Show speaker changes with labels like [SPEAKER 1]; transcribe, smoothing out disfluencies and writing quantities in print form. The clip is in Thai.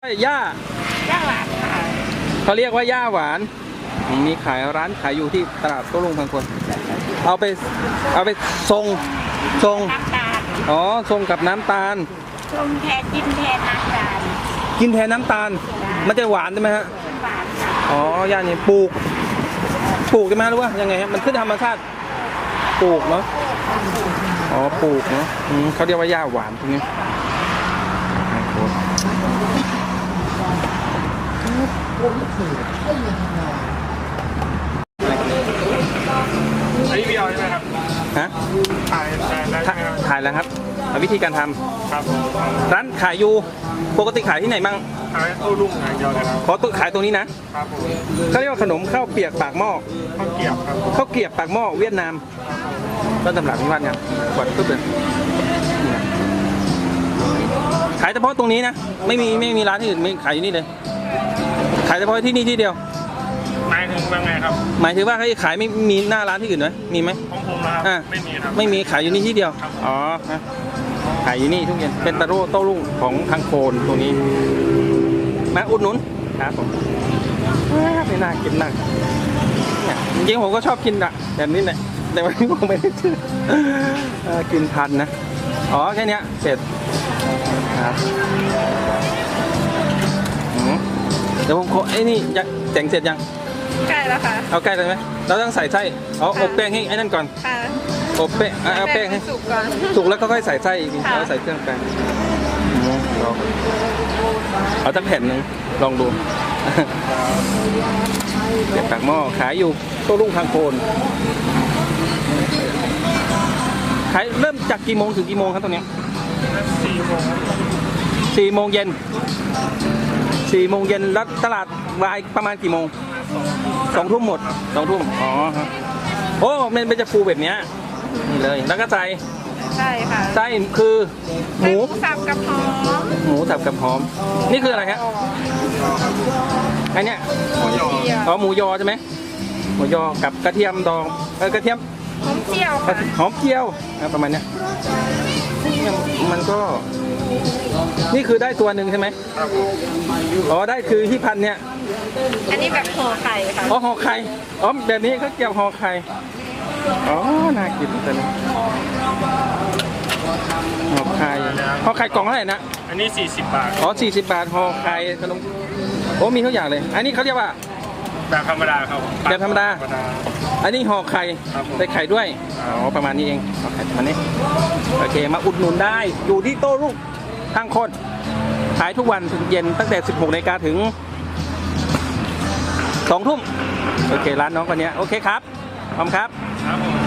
[SPEAKER 1] ย่า
[SPEAKER 2] หวานค่ะ
[SPEAKER 1] เขาเรียกว่าย่าหวานมีขายร้านขายอยู่ที่ตลาดโต้รุ่งพังคนเอาไปทรง
[SPEAKER 2] น้ำตาล
[SPEAKER 1] อ๋อทรงกับน้ำตาล
[SPEAKER 2] ชงแทนกินแทนน้ำตาล
[SPEAKER 1] กินแทนน้ำตาลมันจะหวานใช่ไหมฮะ
[SPEAKER 2] หวาน
[SPEAKER 1] อ๋อย่านี่ปลูกใช่ไหมหรือว่ายังไงฮะมันขึ้นธรรมชาติปลูกเนาะอ๋อปลูกเนาะเขาเรียกว่าย่าหวานตรงนี้
[SPEAKER 3] อันนี้วิดีโอใช่ไหมครับ
[SPEAKER 1] ฮะ
[SPEAKER 3] ถ่าย
[SPEAKER 1] แล้วครับวิธีการทำ
[SPEAKER 3] ครับ
[SPEAKER 1] ร้านขายอยู่ปกติขายที่ไหนมั่ง
[SPEAKER 3] ขายโต้รุ่งอย่างเดียวเลยครับ
[SPEAKER 1] ขอตัวขายตรงนี้นะครับ
[SPEAKER 3] ผม
[SPEAKER 1] เขาเรียกว่าขนมข้าวเปียกปากหม้อ
[SPEAKER 3] ข้าวเกรียบครับ
[SPEAKER 1] ข้าวเกรียบปากหม้อเวียดนามต้นตำรับนิวัฒน์ครับกดตุ๊บเลยขายเฉพาะตรงนี้นะไม่มีร้านที่อื่นไม่ขายอยู่นี่เลยขายเฉพาะที่นี่ที่เดียว
[SPEAKER 3] หมายถึงว่าไงครับ
[SPEAKER 1] หมายถึงว่าเขาขายไม่มีหน้าร้านที่อื่นไหมมีไหม
[SPEAKER 3] ของผมนะครับไม่มีครับ
[SPEAKER 1] ไม่มีขายอยู่นี่ที่เดียวอ๋อขายอยู่นี่ทุกเย็นเป็นโต้รุ่งของทางโคนตรงนี้มาอุดหนุนครับผมไม่น่ากินนักเนี่ยจริงๆผมก็ชอบกินอะแบบนี้แหละแต่วันนี้ผมไม่ได้ซื้อกินทันนะอ๋อแค่นี้เสร็จครับเดี๋ยวผมขอไอ้นี่จะแต่งเสร็จยัง
[SPEAKER 2] ใกล้แล้วค่ะ
[SPEAKER 1] เอาใกล้เลยไหมเราต้องใส่ไส้อบแป้งให้ไอ้นั่นก่อน
[SPEAKER 2] ค่ะ
[SPEAKER 1] อบแป้งเอาแป้งให้
[SPEAKER 2] สุกก่อน
[SPEAKER 1] สุกแล้วก็ค่อยใส่ไส้อีกแล้วใส่เครื่องแป้งเอาตั้งแผ่นหนึ่งลองดูเด็ดปากหม้อขายอยู่โต้รุ่งทางโคนขายเริ่มจากกี่โมงถึงกี่โมงครับตรงนี้4 โมงเย็นแล้วตลาดวายประมาณกี่โมง2 ทุ่มหมด2 ทุ่มอ๋อครับโอ้มันเป็นจะฟูแบบนี้นี่เลยแล้วก็ใช่
[SPEAKER 2] ค่ะ
[SPEAKER 1] ไส้คือหมู
[SPEAKER 2] สับกับหอม
[SPEAKER 1] นี่คืออะไรฮะไอเนี้ยหมูยอใช่ไหมหมูยอกับกระเทียมดองกระเทียม
[SPEAKER 2] หอมเจียวค่ะ
[SPEAKER 1] หอมเจียวประมาณเนี้ยมันก็นี่คือได้ตัวหนึ่งใช่ไหมอ๋อได้คือที่พันเนี่ย
[SPEAKER 2] อันนี้แบบห่อไข่ค่ะ
[SPEAKER 1] อ๋อห่อไข่อ๋อแบบนี้เขาเกี่ยวห่อไข่อ๋อน่ากินจังห่อไข่กล่องเท่าไหร่นะ
[SPEAKER 3] อันนี้40 บาท
[SPEAKER 1] อ๋อ40 บาทห่อไข่ขนมโอ้มีทุกอย่างเลยอันนี้เขาเรียกว่า
[SPEAKER 3] แบบธรรมดาครับ
[SPEAKER 1] แบบธรรมดาอันนี้ห่อไข่ใส่ไข่ด้วยอ๋อประมาณนี้เองห่อไข่ประมาณนี้โอเคมาอุดหนุนได้อยู่ที่โต้รุ่งทางคนขายทุกวันถึงเย็นตั้งแต่ 16 นาฬิกาถึง 2 ทุ่มโอเคร้านน้องคนนี้โอเคครับขอบคุณครับ